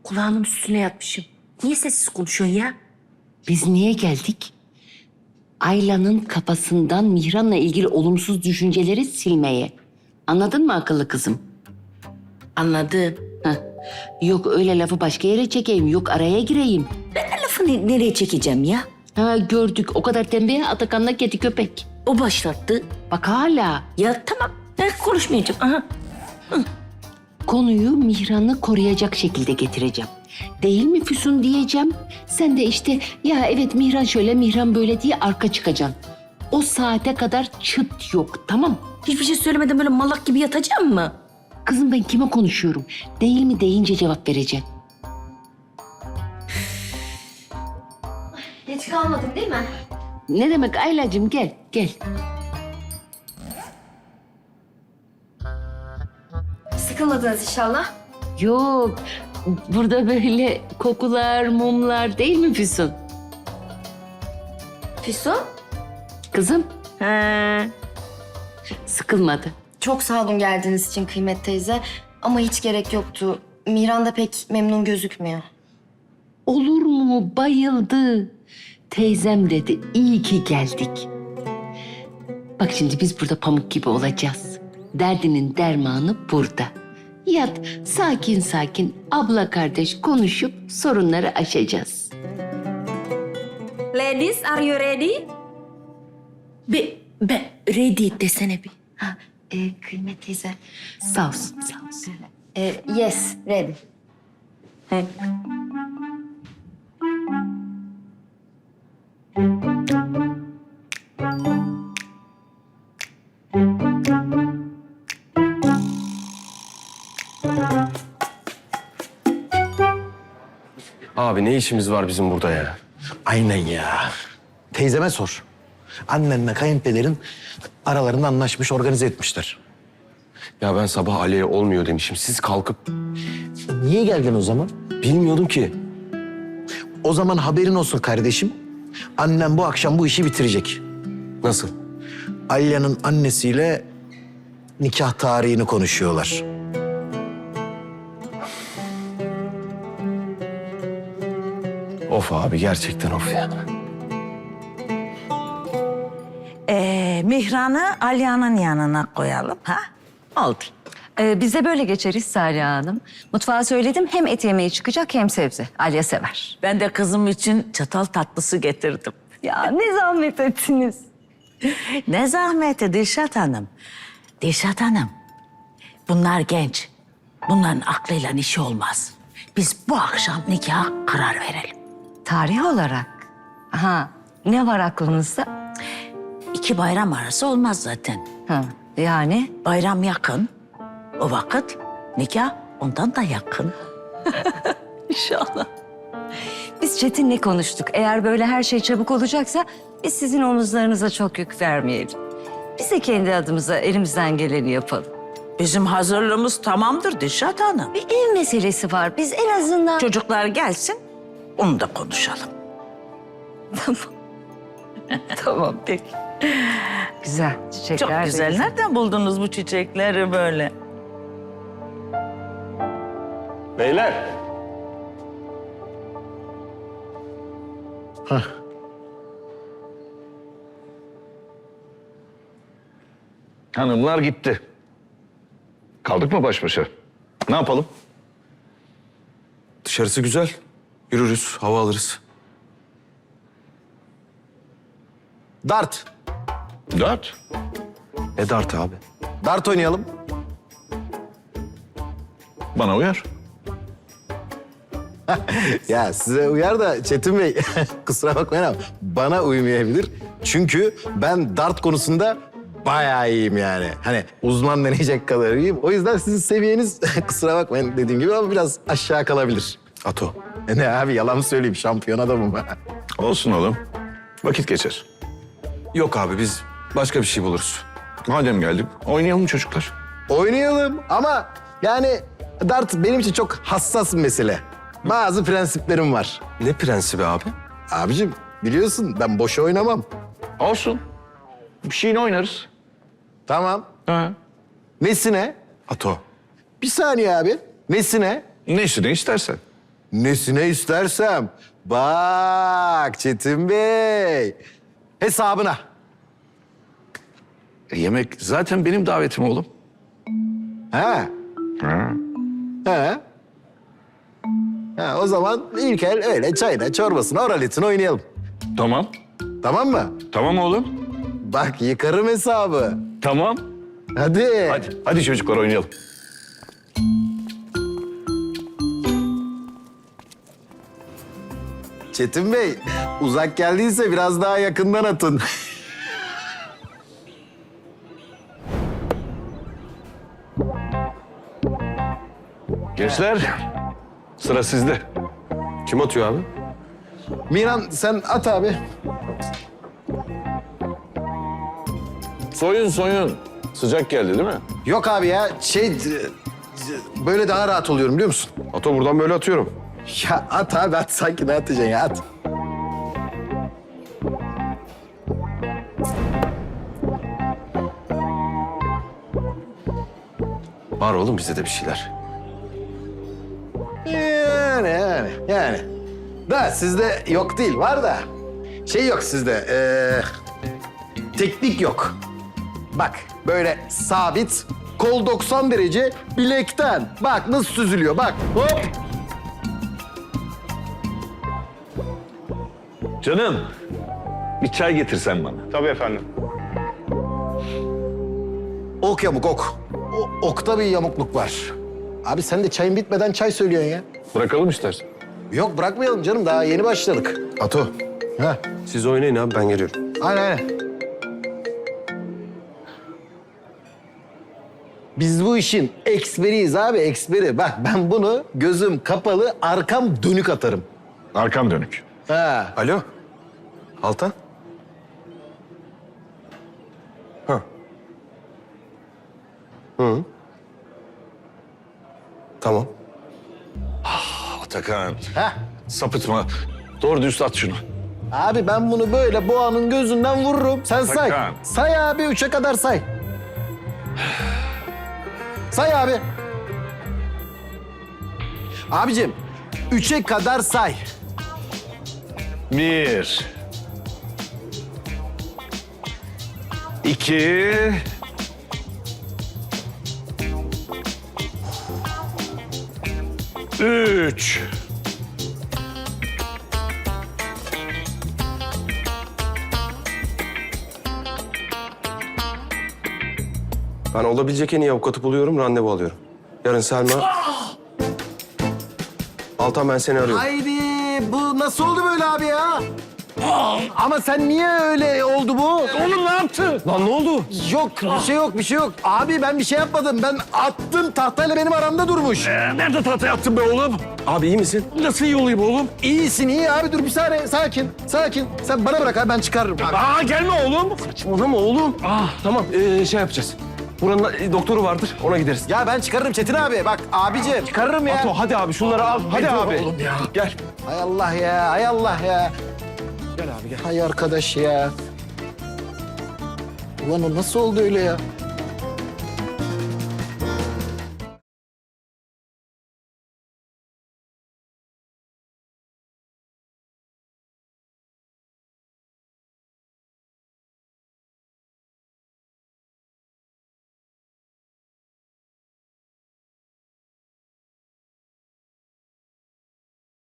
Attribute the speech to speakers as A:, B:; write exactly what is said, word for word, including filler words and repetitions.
A: kulağının üstüne yatmışım. Niye sessiz konuşuyorsun ya?
B: Biz niye geldik? Ayla'nın kafasından Mihran'la ilgili olumsuz düşünceleri silmeye. Anladın mı akıllı kızım?
A: Anladım.
B: Heh. Yok öyle lafı başka yere çekeyim, yok araya gireyim.
A: Ben lafı ne- nereye çekeceğim ya?
B: Ha gördük, o kadar tembih Atakan'la kedi köpek.
A: O başlattı.
B: Bak hala
A: Ya tamam, ben konuşmayacağım. Aha.
B: konuyu Mihran'ı koruyacak şekilde getireceğim. Değil mi Füsun diyeceğim. Sen de işte ya evet Mihran şöyle Mihran böyle diye arka çıkacaksın. O saate kadar çıt yok, tamam.
A: Hiçbir şey söylemeden böyle malak gibi yatacağım mı?
B: Kızım ben kime konuşuyorum? Değil mi deyince cevap vereceğim.
C: Geç kalmadım değil mi?
B: Ne demek Aylacığım, gel gel.
C: Sıkılmadınız inşallah.
B: Yok burada böyle kokular mumlar değil mi Füsun?
C: Füsun.
B: Kızım
A: He.
B: sıkılmadı.
C: Çok sağ olun geldiğiniz için Kıymet teyze. Ama hiç gerek yoktu. Miran da pek memnun gözükmüyor.
B: Olur mu, bayıldı. Teyzem dedi iyi ki geldik. Bak şimdi biz burada pamuk gibi olacağız. Derdinin dermanı burada. Yat sakin sakin abla kardeş konuşup sorunları aşacağız.
A: Ladies, are you ready? Be, be, ready desene bir.
C: Ha, e, Kıymet teyze.
B: Sağ olsun sağ olsun.
C: E, yes, ready.
A: He.
D: Abi ne işimiz var bizim burada ya?
E: Aynen ya. Teyzeme sor. Annenle kayınpederin aralarında anlaşmış, organize etmişler.
D: Ya ben sabah Ali'ye olmuyor demişim. Siz kalkıp
E: Niye geldin o zaman?
D: bilmiyordum ki.
E: O zaman haberin olsun kardeşim. Annem bu akşam bu işi bitirecek.
D: Nasıl?
E: Alya'nın annesiyle nikah tarihini konuşuyorlar.
D: Of abi gerçekten of ya.
F: Ee, Mihran'ı Alya'nın yanına koyalım ha? Oldu.
G: Ee, biz de böyle geçeriz Salih Hanım. Mutfağa söyledim hem et yemeği çıkacak hem sebze. Alya sever.
F: Ben de kızım için çatal tatlısı getirdim.
G: Ya ne zahmet ettiniz.
F: Ne zahmeti Dilşat Hanım. Dilşat Hanım, bunlar genç. Bunların aklıyla işi olmaz. Biz bu akşam nikaha karar verelim.
G: Tarih olarak. Ha, ne var aklınızda?
F: İki bayram arası olmaz zaten.
G: Ha, yani
F: Bayram yakın. O vakit nikah ondan da yakın.
G: inşallah. Biz Çetin'le konuştuk. Eğer böyle her şey çabuk olacaksa biz sizin omuzlarınıza çok yük vermeyelim. Biz de kendi adımıza elimizden geleni yapalım.
F: Bizim hazırlığımız tamamdır Dilşat Hanım.
G: Bir ev meselesi var. Biz en azından...
F: Çocuklar gelsin, onu da konuşalım.
G: Tamam. Tamam peki. Güzel çiçekler.
F: Çok
G: de
F: güzel. Nereden buldunuz bu çiçekleri böyle?
D: Beyler.
H: Hanımlar gitti. Kaldık mı baş başa? Ne yapalım?
D: Dışarısı güzel. Yürürüz, hava alırız.
E: Dart.
H: Dört.
D: Ne dart abi?
E: Dart oynayalım.
H: Bana uyar.
E: Ya size uyar da Çetin Bey, kusura bakmayın ama bana uymayabilir. Çünkü ben dart konusunda bayağı iyiyim yani. Hani uzman deneyecek kadar iyiyim. O yüzden sizin seviyeniz kusura bakmayın dediğim gibi ama biraz aşağı kalabilir.
D: Ato.
E: E ne abi yalan mı söyleyeyim, şampiyon adamım ben.
H: Olsun oğlum. Vakit geçer.
D: Yok abi biz başka bir şey buluruz.
H: Madem geldik, oynayalım çocuklar.
E: Oynayalım ama yani dart benim için çok hassas bir mesele. Bazı prensiplerim var.
D: Ne prensibi abi?
E: Abicim biliyorsun ben boş oynamam.
H: Olsun. Bir şeyini oynarız.
E: Tamam.
H: Ha.
E: Nesine?
D: Ato.
E: Bir saniye abi. Nesine?
H: Neyse ne istersen.
E: Nesine istersem. Bak Çetin Bey. Hesabına.
H: E, yemek zaten benim davetim oğlum.
E: Ha?
H: Ha.
E: Ha? Ha, o zaman ilk el öyle çayına, çorbasına, oralitini oynayalım.
H: Tamam.
E: Tamam mı?
H: Tamam oğlum.
E: Bak yıkarım hesabı.
H: Tamam.
E: Hadi.
H: Hadi, hadi çocuklar oynayalım.
E: Çetin Bey, uzak geldiyse biraz daha yakından atın.
H: Gençler, sıra sizde.
D: Kim atıyor abi?
E: Miran sen at abi.
H: Soyun soyun. Sıcak geldi değil mi?
E: Yok abi ya şey e, böyle daha rahat oluyorum biliyor musun?
D: Ato buradan böyle atıyorum.
E: Ya at abi at sanki ne atacaksın ya at.
D: Var oğlum bizde de bir şeyler.
E: Yani yani yani. Da sizde yok değil var da. Şey yok sizde. eee, teknik yok. Bak böyle sabit. Kol doksan derece bilekten. Bak nasıl süzülüyor bak. Hop.
H: Canım, bir çay getirsen bana.
I: Tabii efendim.
E: Ok yamuk ok. O, okta bir yamukluk var. Abi sen de çayın bitmeden çay söylüyorsun ya.
H: Bırakalım istersen.
E: Yok bırakmayalım canım daha yeni başladık. Ato. Ha.
D: Siz oynayın abi ben geliyorum.
E: Aynen aynen. Biz bu işin eksperiyiz abi eksperi. Bak ben bunu gözüm kapalı arkam dönük atarım.
H: Arkam dönük.
E: Ha.
D: Alo. Altan. Ha. Hı. Tamam.
H: Atakan,
E: Ha.
H: sapıtma. Doğru düz at şunu.
E: Abi ben bunu böyle boğanın gözünden vururum. Sen say.
H: Sakın.
E: Say abi üçe kadar say. Say abi. Abicim üçe kadar say.
H: Bir. İki. Üç.
D: Ben olabilecek en iyi avukatı buluyorum, randevu alıyorum. Yarın Selma... Altan ben seni arıyorum.
E: Haydi bu nasıl oldu böyle abi ya? Ama sen niye öyle oldu bu?
H: Oğlum ne yaptın?
D: Lan ne oldu?
E: Yok bir şey yok bir şey yok. Abi ben bir şey yapmadım. Ben attım tahtayla benim aramda durmuş.
H: Ee, nerede tahtaya attın be oğlum?
D: Abi iyi misin?
H: Nasıl iyi olayım oğlum?
E: İyisin iyi abi dur bir saniye sakin sakin. Sen bana bırak abi ben çıkarırım. Abi.
H: Aa gelme oğlum.
D: Saçmalama oğlum. Ah tamam ee, şey yapacağız. Buranın e, doktoru vardır ona gideriz.
E: Ya ben çıkarırım Çetin abi. Bak abicim çıkarırım ya.
D: Ato hadi abi şunları al. Hadi
H: dur
D: abi.
H: oğlum ya.
D: Gel.
E: Hay Allah ya hay Allah ya.
D: Gel abi gel.
E: Hay arkadaş ya. Ulan o nasıl oldu öyle ya?